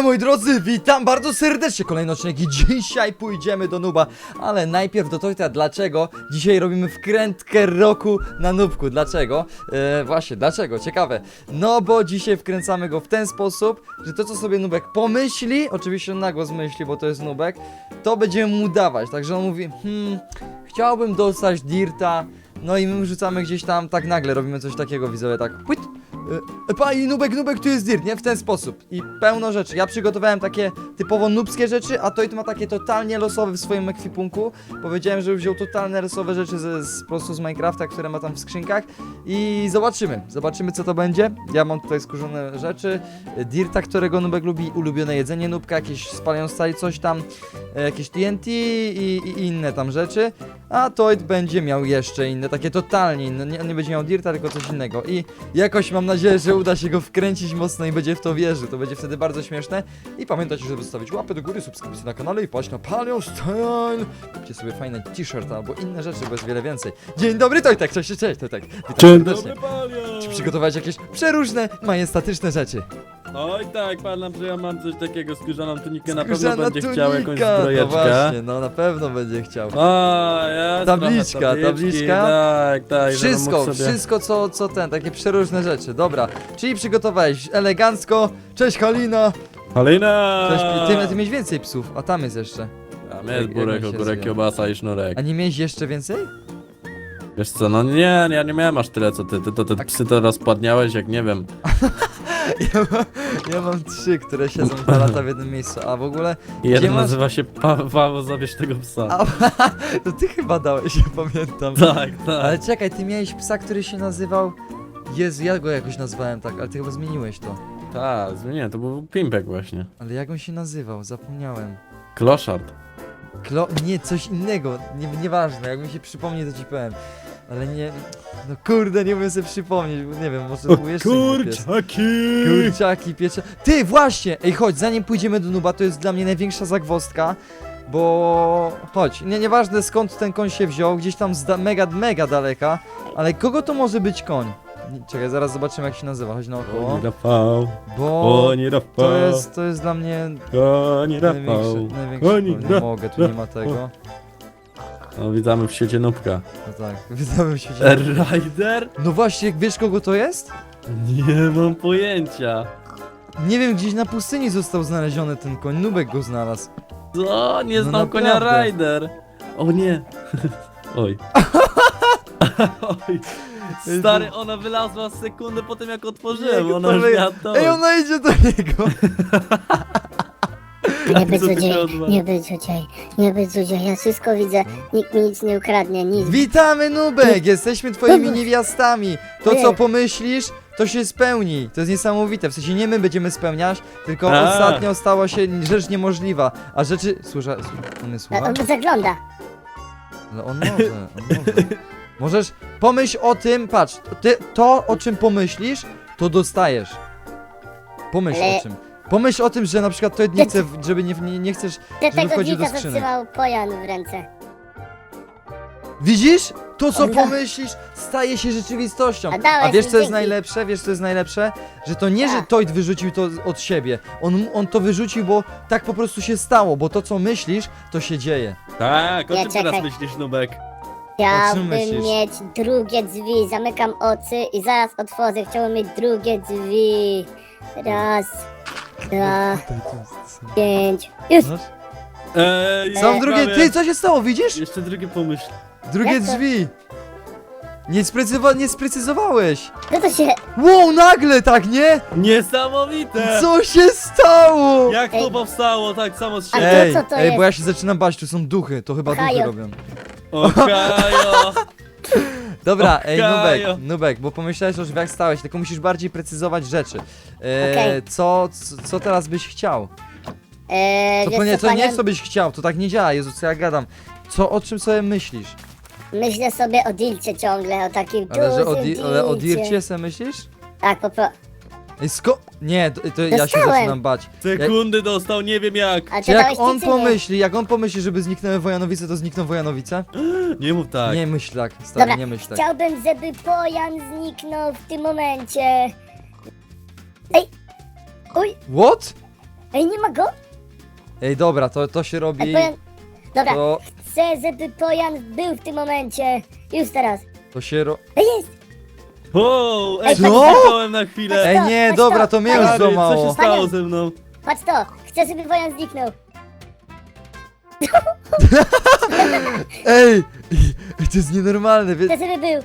Siema moi drodzy, witam bardzo serdecznie, kolejny odcinek i dzisiaj pójdziemy do Nuba. Ale najpierw do Tojta, dlaczego? Dzisiaj robimy wkrętkę roku na Nubku, dlaczego? Właśnie, dlaczego? Ciekawe. No bo dzisiaj wkręcamy go w ten sposób, że to co sobie Nubek pomyśli, oczywiście on na głos myśli, bo to jest Nubek, to będziemy mu dawać, także on mówi, chciałbym dostać dirta. No i my rzucamy gdzieś tam, tak nagle robimy coś takiego, widzowie, tak płyt. Pani Nubek, tu jest dirt, nie? W ten sposób. I pełno rzeczy. Ja przygotowałem takie typowo nubskie rzeczy, a Toit ma takie totalnie losowe w swoim ekwipunku. Powiedziałem, że wziął totalne losowe rzeczy po prostu z Minecrafta, które ma tam w skrzynkach. I zobaczymy co to będzie. Ja mam tutaj skórzone rzeczy, dirta, którego Nubek lubi, ulubione jedzenie Nubka, jakieś spalając stali coś tam, jakieś TNT i inne tam rzeczy. A Toit będzie miał jeszcze inne, takie totalnie inne. Nie będzie miał dirta, tylko coś innego. I jakoś mam nadzieję, że uda się go wkręcić mocno i będzie w to wierzył. To będzie wtedy bardzo śmieszne. I pamiętajcie, żeby zostawić łapę do góry, subskrypcję na kanale i paść na Palion Style. Kupcie sobie fajne t-shirt albo inne rzeczy, bo jest wiele więcej. Dzień dobry Tojtek, cześć, Tojtek. Witam serdecznie. Czy przygotowałeś jakieś przeróżne, majestatyczne rzeczy? Oj tak, padam, że ja mam coś takiego, skórzaną tunikę, na Skórzana pewno będzie chciał jakąś tunika, zbrojeczkę. No właśnie, no na pewno będzie chciał. O, jest Tabliczka, trochę tabliczki, tabliczka. Tak, Wszystko, żeby mógł sobie... wszystko co ten, takie przeróżne rzeczy, dobra. Czyli przygotowałeś elegancko, cześć Halina. Halina! Cześć, ty miałeś więcej psów, a tam jest jeszcze. Tam jest Jak burek, on się ogórek, zwie? kiełbasa i sznurek. A nie miałeś jeszcze więcej? Wiesz co, no nie, ja nie miałem aż tyle co ty, te psy to rozpadniałeś jak nie wiem. Ja mam 3, które siedzą 2 lata w jednym miejscu, a w ogóle... Jeden masz- nazywa się Paweł, zabierz tego psa. A, to ty chyba dałeś, ja pamiętam. Tak. Ale czekaj, ty miałeś psa, który się nazywał... Jezu, ja go jakoś nazwałem tak, ale ty chyba zmieniłeś to. Tak, zmieniłem, to był Pimpek właśnie. Ale jak on się nazywał? Zapomniałem. Kloszard. Nie, coś innego, nieważne, jak mi się przypomni to ci powiem. Ale nie, no kurde, nie umiem sobie przypomnieć, bo nie wiem, może był jeszcze inny pies. Kurczaki piecze. Ty, właśnie! Ej, chodź, zanim pójdziemy do Nuba, to jest dla mnie największa zagwozdka. Bo... chodź, nieważne skąd ten koń się wziął, gdzieś tam z mega daleka. Ale kogo to może być koń? Czekaj, zaraz zobaczymy jak się nazywa, chodź naokoło. Rafał, Bo... nie Rafał, To jest dla mnie nie Rafał. największy. Nie mogę, tu nie ma tego. No, witamy w świecie Nubka. No tak, wydałem się. Rider? No właśnie, wiesz kogo to jest? Nie mam pojęcia. Nie wiem, gdzieś na pustyni został znaleziony ten koń, Nubek go znalazł. Co? Nie No znam konia naprawdę. Rider. O nie. Oj. Oj. Stary, ona wylazła sekundę po tym jak otworzyłem, Jego ona już powie- miała to. Ej, ona idzie do niego! Nie być Co ty złodziej, się odwalasz? nie być złodziej, ja wszystko widzę, nikt mi nic nie ukradnie, nic. Witamy Nubek! Jesteśmy twoimi Nubek. niewiastami! To co Ojej. pomyślisz, to się spełni. To jest niesamowite, w sensie nie my będziemy spełniać, tylko A. ostatnio stała się rzecz niemożliwa. A rzeczy... on nie A słucha? on zagląda. Ale on może. Możesz, pomyśl o tym, patrz, to o czym pomyślisz, to dostajesz. Pomyśl Ale- o czym. Pomyśl o tym, że na przykład to nie chce, żeby nie chcesz, Że żeby tego wchodził do dzika skrzynek. zatrzymał pojan w ręce. Widzisz? To co On da- pomyślisz staje się rzeczywistością. A dałeś A wiesz mi co jest dzięki. najlepsze? Wiesz co jest najlepsze? Że to nie, że Tak. Toit wyrzucił to od siebie. On to wyrzucił, bo tak po prostu się stało, bo to co myślisz, to się dzieje. Tak, o Nie, czym teraz czekaj. myślisz, Nubek? Chciałbym myślisz? mieć drugie drzwi, zamykam oczy i zaraz otworzę, chciałbym mieć drugie drzwi. Raz, 2, 5, już! No. Są Są drugie, ty co się stało, widzisz? Jeszcze drugie pomyśl. Drugie Jak to? drzwi! Nie sprecyzowałeś! No to się... Wow, nagle tak, nie? Niesamowite! Co się stało? Jak to Ej. powstało tak samo z A siebie? to co to Ej, jest? bo ja się zaczynam bać, tu są duchy, to chyba duchy Hajo. robią. Okajo! Dobra, ej, Okajo. Nubek, bo pomyślałeś o drzwiach stałeś, tylko musisz bardziej precyzować rzeczy. Okej. Co teraz byś chciał? wiesz To nie co, jest co byś chciał, to tak nie działa, Jezu, co ja gadam. O czym sobie myślisz? Myślę sobie o dilcie ciągle, o takim Ale o dilcie. Dircie se myślisz? Tak, Ej, Nie, to ja się Dostałem. zaczynam bać. Sekundy dostał, nie wiem jak. A Czy ty jak dałeś on ci, czy nie? pomyśli, żeby zniknęły Wojanowice, to znikną Wojanowice? Nie mów tak. Nie myśl tak, stary, Dobra, nie myśl tak. chciałbym, żeby pojan zniknął w tym momencie. Ej! Uj! What? Ej, nie ma go? Ej, dobra, to się Ej, robi... Pojan... Dobra, To, chcę, żeby Pojan był w tym momencie. Już teraz. to się ro... Ej, jest! O, Ej, ej, co? zniknąłem na chwilę. Ej, nie, Chodź dobra, to, to mnie już Panian. Stary, co złamało. się stało ze mną? Patrz to! Chcę, żeby Pojan zniknął. Ej, to jest nienormalne, Chcę, żeby był.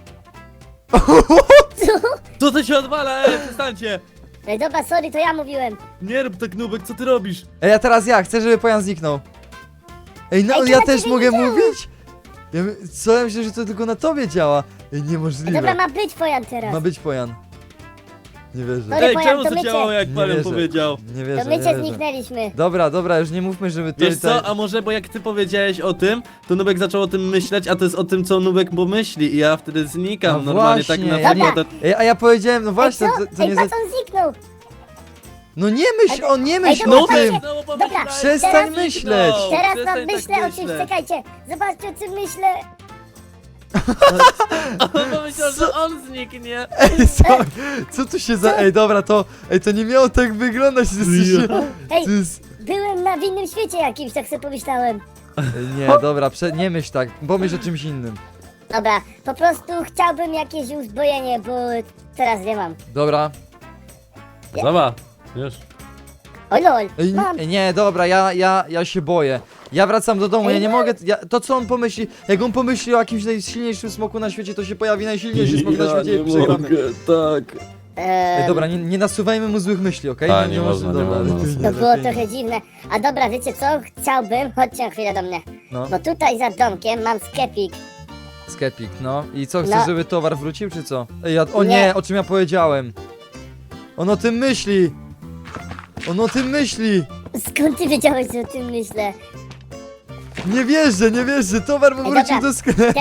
Co to się odwala? Ej, przestańcie. Ej, dobra, sorry, to ja mówiłem. Nie rób tak, Nubek, co ty robisz? Ej, a teraz ja, chcę, żeby Pojan zniknął. Ej, no Ej, to ja na też ciebie mogę nie działa. mówić? Co, ja myślę, że to tylko na tobie działa. Ej, Ej, niemożliwe. dobra, ma być Pojan teraz. Ma być Pojan. Nie wierzę. Sorry, Ej, Pojan, czemu to to mycie. działało, jak Nie Palion wierzę. powiedział? Nie To wierzę, my nie cię wierzę. zniknęliśmy. Dobra, już nie mówmy, żeby to Wiesz co, a może, bo jak ty powiedziałeś o tym, to Nubek zaczął o tym myśleć, a to jest o tym, co Nubek pomyśli i ja wtedy znikam No normalnie właśnie. tak na Dobra. przykład. Ej, a ja powiedziałem, no Ej, właśnie, co? to Ej, nie za... patrz, on zniknął. No nie myśl, o nie myśl dobra, o tym! Dobra, Przestań teraz- myśleć. Teraz Przestań mam tak myślę o czymś, myśleć. czekajcie. Zobaczcie, o czym myślę. On pomyślał, że on zniknie. Ej, co tu się za... Ej, dobra, to nie miało tak wyglądać, to jest... Ej, To jest... byłem na w innym świecie jakimś, tak sobie pomyślałem. Ej, nie, dobra, nie myśl tak, pomyśl o czymś innym. Dobra, po prostu chciałbym jakieś uzbrojenie, bo teraz nie mam. Dobra. Zobacz, wiesz. O lol, Ej, mam. nie, dobra, ja się boję. Ja wracam do domu, ja nie mogę... To co on pomyśli? Jak on pomyśli o jakimś najsilniejszym smoku na świecie, to się pojawi najsilniejszy smok na świecie i przegramy. tak. Ej, dobra, nie nasuwajmy mu złych myśli, okej? A, nie można, nie dobra, można. lepiej nie, To było lepiej nie. trochę dziwne. A dobra, wiecie co? Chciałbym, chodźcie na chwilę do mnie. No, Bo tutaj za domkiem mam sklepik. skepik, no. I co, chcesz, No. żeby towar wrócił, czy co? Ej, o Nie. nie, o czym ja powiedziałem. On o tym myśli. On o tym myśli. Skąd ty wiedziałeś, że o tym myślę? Nie wierzę, towar mu Ej, wrócił dobra. do sklepu.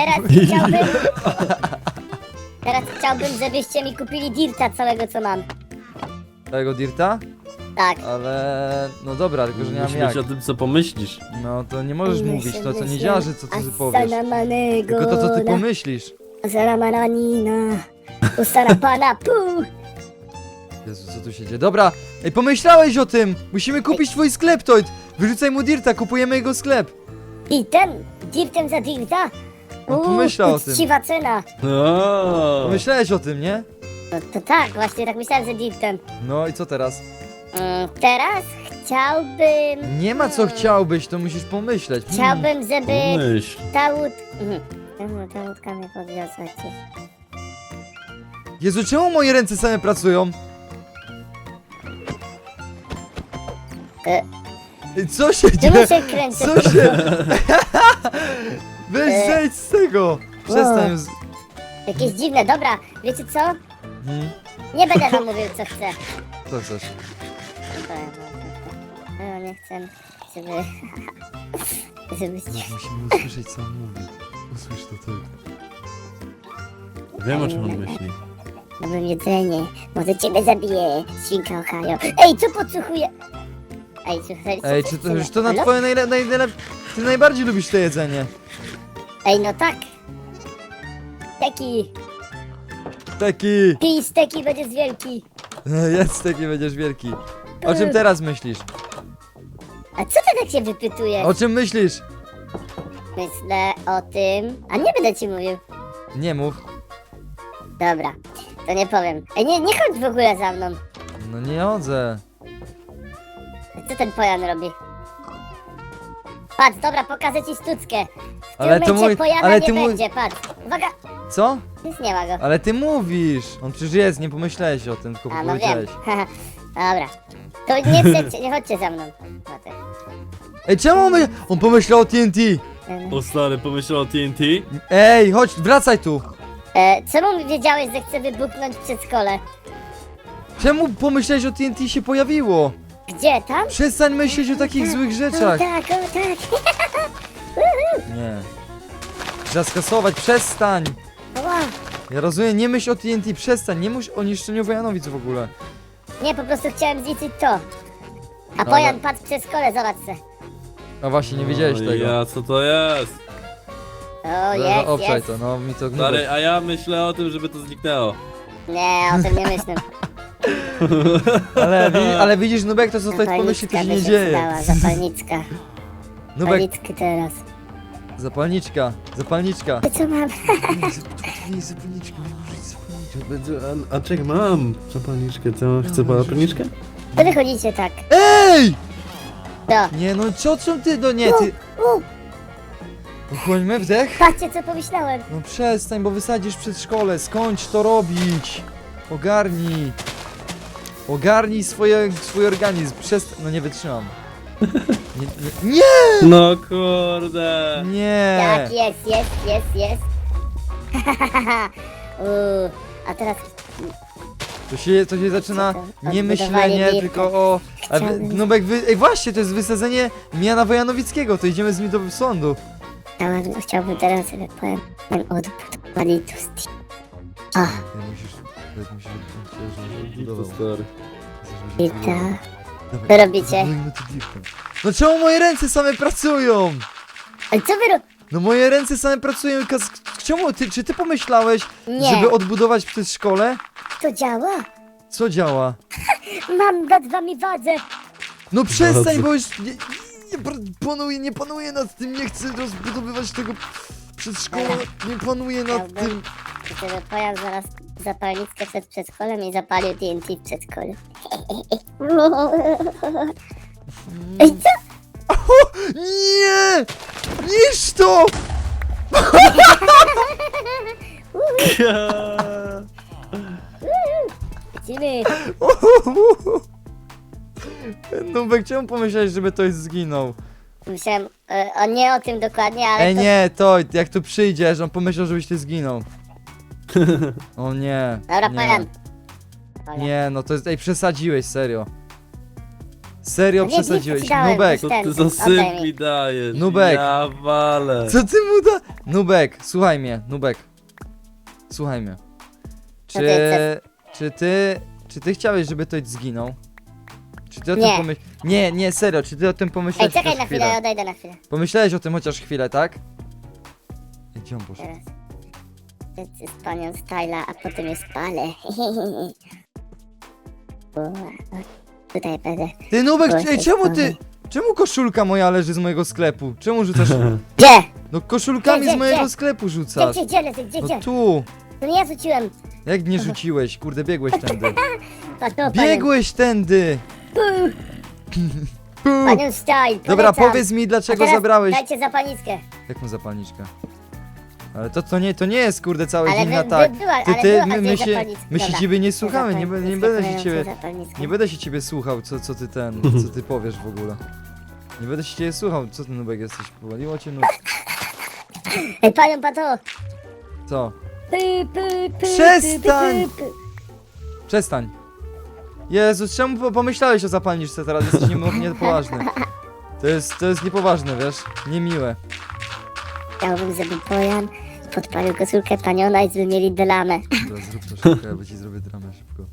Teraz chciałbym, żebyście mi kupili dirta całego, co mam. Tego dirta? Tak. Ale... No dobra, tylko że nie mam Musi jak. być o tym, co pomyślisz. No to nie możesz mówić, to nie Myślę, działa, że co ty powiesz. Asana Tylko to, co ty pomyślisz. Asana mananina. Ustara pana pu. Jezu, co tu się dzieje? Dobra, ej, pomyślałeś o tym! Musimy kupić twój sklep, Toid! Wyrzucaj mu dirta, kupujemy jego sklep. Dirtem za dirta? On pomyślał o tym. Uczciwa cena. O. Pomyślałeś o tym, nie? No to tak, właśnie tak myślałem, że dirtem. No i co teraz? Teraz chciałbym... Nie ma co chciałbyś, to musisz pomyśleć. Chciałbym, żeby Myśl. ta łódka... Ta łódka mnie podwiozła gdzieś. Jezu, czemu moje ręce same pracują? E. Ej, co się Czemu dzieje? się kręcę? Co się... Weź E. zejdź z tego! Przestań z... Jakieś dziwne, dobra, wiecie co? Hmm? Nie będę wam mówił, co chcę. Co chcesz? No, nie chcę, żeby... żebyście... Musimy usłyszeć, co on mówi. Usłysz to ty. Wiem, o czym on myśli. Mam jedzenie, może ciebie zabiję, świnka Ohio. Ej, co podsłuchuje? Ej, słuchaj, co Ej, ty czy to chcesz? już to na Halo? twoje Ty najbardziej lubisz to jedzenie. Ej, no tak. Steki, Taki. pij steki, będziesz wielki. Jest taki, będziesz wielki. O czym teraz myślisz? A co ty tak się wypytujesz? O czym myślisz? Myślę o tym... A nie będę ci mówił. Nie mów. Dobra, to nie powiem. Ej, nie chodź w ogóle za mną. No nie chodzę. Co ten Pojan robi? Patrz, dobra, pokażę ci sztuczkę. W tym Ale to momencie mój... Pojana Ale nie ty mój... będzie, patrz. Uwaga, Co? nic nie ma go. Ale ty mówisz. On przecież jest, nie pomyślałeś o tym, tylko A, no wiem. powiedziałeś. Dobra. To nie chcecie, nie chodźcie za mną. No tak. Ej, czemu on pomyślał o TNT? O stary, pomyślał o TNT? Ej, chodź, wracaj tu. Czemu wiedziałeś, że chcę wybuchnąć przedszkole? Czemu pomyślałeś o TNT się pojawiło? Gdzie, tam? Przestań myśleć o takich złych O rzeczach. tak, o tak. Nie. Trzeba skasować, przestań. Ła. Ja rozumiem, nie myśl o TNT, przestań, nie myśl o niszczeniu Wojanowic w ogóle. Nie, po prostu chciałem zliczyć to. A Ale- Pojan patrz przez szkole, zobacz se. A właśnie, nie wiedziałeś O tego. Ja, co to jest? O, jest, Obczaj jest. to, no mi to Stary, a ja myślę o tym, żeby to zniknęło. Nie, o tym nie myślę. Ale widzisz, Nubek, to co ktoś pomyśli, to się nie dzieje. Przydała, zapalniczka. Nubek, Zapalniczki teraz. zapalniczka. To co mam? Nie, zapalniczka. A czekaj, mam zapalniczkę, to chcę zapalniczkę? To wychodzicie tak. Ej! No. Nie no, co ty, no nie, ty... Uchłońmy wdech. Patrzcie co pomyślałem. No przestań, bo wysadzisz przedszkole, skończ to robić. Ogarnij. Ogarnij swój organizm, no nie wytrzymam. Nie! No kurde. Nie! Tak, jest. A teraz To się zaczyna Co to? nie myślenie, Odbudowanie tylko o... Chciałbym- Nubek, ej właśnie, to jest wysadzenie Miana Wojanowickiego, to idziemy z nim do sądu. chciałbym teraz, żeby powiem odbudowali to z... A, Musisz To stary. i tak. Co robicie? No czemu moje ręce same pracują? Ale co wy No moje ręce same pracują, czemu czy ty pomyślałeś, Nie. żeby odbudować przedszkole? To działa? Co działa? Mam nad wami wadzę. No przestań, Dobrze. bo już nie panuję nad tym, nie chcę rozbudowywać tego przedszkola, nie panuję nad Chciałbym, tym. żeby pojazd znalazł zapalniczkę przed przedszkolem i zapalił TNT w przedszkolu. Ej, co? Nie! Niż to! Lecimy. Nubek, czemu pomyślałeś, żeby ktoś zginął? Myślałem, nie o tym dokładnie, ale Ej to... nie, to jak tu przyjdziesz, on pomyślał, żebyś ty zginął. O nie. Dobra, nie. Pajan. Nie, no to jest, ej, przesadziłeś, serio. Serio No nie, przesadziłeś. nie dałem, Nubek, Co Ten, ty za oddaj syp mi. mi dajesz? Nubek. Ja walę. co ty mu da? Nubek, słuchaj mnie, Nubek. Słuchaj mnie. Co ty chcesz? Czy ty chciałeś, żeby ktoś zginął? Czy ty o Nie. tym pomyślałeś? Nie, serio, czy ty o tym Ej, pomyślałeś czekaj chociaż na chwilę, odejdę na chwilę. Pomyślałeś o tym chociaż chwilę, tak? Ej, gdzie on poszedł? Teraz. Z panią Styla, a potem jest palę. Tutaj będę. Ty Nubek, Oj, ej, czemu koszulka moja leży z mojego sklepu? Czemu rzucasz? Gdzie? No koszulkami Gdzie, z mojego gdzie? sklepu Gdzie, rzucasz. gdzie? No tu. To nie ja rzuciłem. Jak nie rzuciłeś? Kurde, biegłeś tędy. Patrz, no, Biegłeś tędy! Pu. Panią Style, Dobra, polecam. powiedz mi, A dlaczego teraz zabrałeś... Dajcie zapalniczkę. Jaką zapalniczkę? Ale to nie jest, kurde, cały Ale dzień wy- na wy- tak. była- ale Ty, była- a my gdzie się zapalniczka? Dobra. ciebie nie słuchamy, nie będę się ciebie... Zapalniczkę. Nie będę się ciebie słuchał, co ty powiesz w ogóle. Nie będę się ciebie słuchał, co ty Nubek jesteś, powaliło cię nóg. Ej, panią Pato. Co? Py. Przestań! Przestań. Jezus, czemu pomyślałeś o zapalniczce teraz? Jesteś niepoważny. To jest niepoważne, wiesz? Niemiłe. Chciałbym, żeby Bojan podpalił koszulkę paniona i żeby mieli dramę. Dobra, zrób to szybko, ja ci zrobię dramę szybko.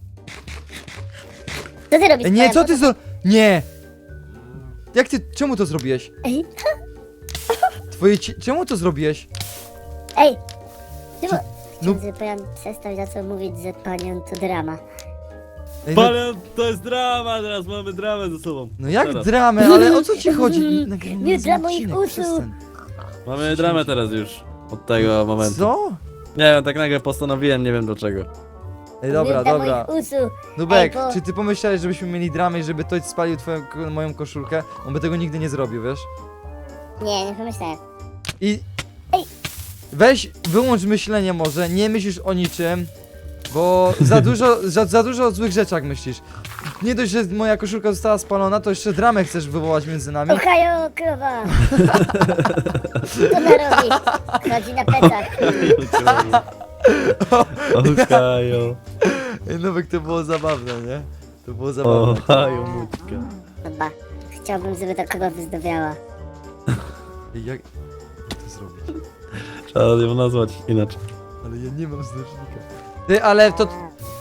Co ty robisz? Ej, nie, Bojan? co ty Nie! Jak ty, czemu to zrobiłeś? Ej, Czemu to zrobiłeś? ej. Czemu? No, Chciałbym, żeby Bojan przestał za co mówić, że panią to drama. ej, no, Palion, to jest drama, teraz mamy dramę ze sobą. no jak Teraz. dramę, ale o co ci chodzi? Nagrywamy Nie z dla moich odcinek, uszu. przestań. Mamy dramę teraz już. Od tego momentu. Co? Nie wiem, tak nagle postanowiłem, nie wiem dlaczego. Ej, dobra, Nie dla dobra. moich uszu. Nubek, Ej, bo- czy ty pomyślałeś, żebyśmy mieli dramę i żeby ktoś spalił moją koszulkę? On by tego nigdy nie zrobił, wiesz? Nie pomyślałem. I... Ej. Weź, wyłącz myślenie może, nie myślisz o niczym, bo za dużo o złych rzeczach myślisz. Nie dość, że moja koszulka została spalona, to jeszcze dramę chcesz wywołać między nami. Ohajo, krowa. Co ona robi? Chodzi na plecach. Ohajo. Ej, Nubek, to było zabawne, nie? To było zabawne. Ohajo, mućka. Dobra. Chciałbym, żeby ta krowa wyzdobiała. Ej, jak to zrobić? Trzeba ją nazwać inaczej. Ale ja nie mam znacznika. Ty, ale to...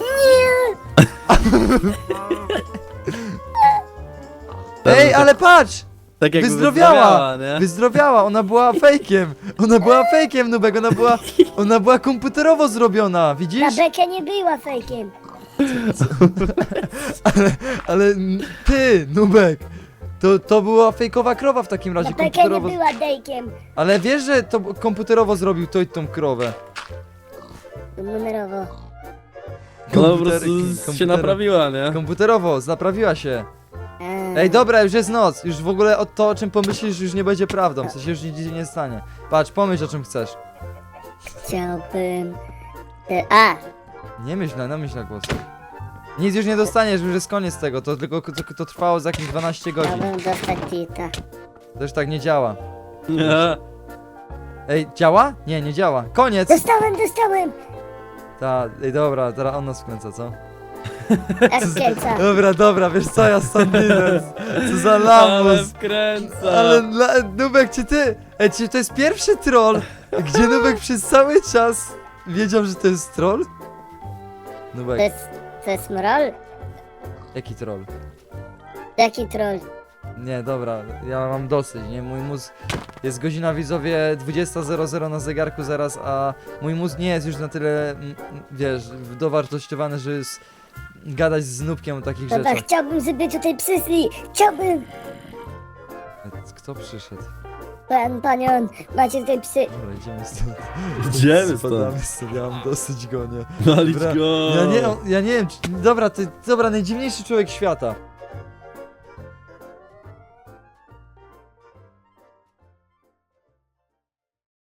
Ej, ale patrz! Tak jak Wyzdrowiała! nie? Wyzdrowiała, ona była fejkiem! Ona była fejkiem, Nubek, ona była komputerowo zrobiona, Ta widzisz? Beka nie była fejkiem. Ale ty, Nubek, to była fejkowa krowa w takim razie, No taka nie komputerowo. była dejkiem. Ale wiesz, że to komputerowo zrobił to i tą krowę. Numerowo. Ona po Komputer- prostu się komputer- naprawiła, nie? Komputerowo, naprawiła się. A, Ej, dobra, już jest noc. Już w ogóle to, o czym pomyślisz, już nie będzie prawdą. W sensie już nic nie stanie. Patrz, pomyśl, o czym chcesz. Chciałbym... Nie myśl na głos. Nic już nie dostaniesz, już jest koniec tego. To tylko to trwało za jakieś 12 godzin. Chciałbym dostać tita. To już tak nie działa. Nie. Ej, działa? Nie, nie działa. Koniec! Dostałem! Ej, dobra, teraz on nas wkręca, co? Jak wkręca. Dobra, wiesz co, ja stąd idę. Co za Ale lamus. wkręca. Ale Nubek, czy ty? Ej, czy to jest pierwszy troll, gdzie Nubek przez cały czas wiedział, że to jest troll? Nubek, To jest mrol? jaki troll? Jaki troll? Nie, dobra, ja mam dosyć, nie? Mój mózg... Jest godzina, widzowie, 20:00 na zegarku zaraz, a mój mózg nie jest już na tyle, wiesz, dowartościowany, że jest gadać z Nubkiem o takich Dobra, rzeczach. chciałbym, żeby tutaj przyszli. Chciałbym. Kto przyszedł? Panion, macie tutaj psy. Dobra, idziemy stąd. Idziemy Spadamy stąd. stąd, ja mam dosyć go, nie? Walić Dobra, go. Ja nie wiem, dobra, dobra, najdziwniejszy człowiek świata.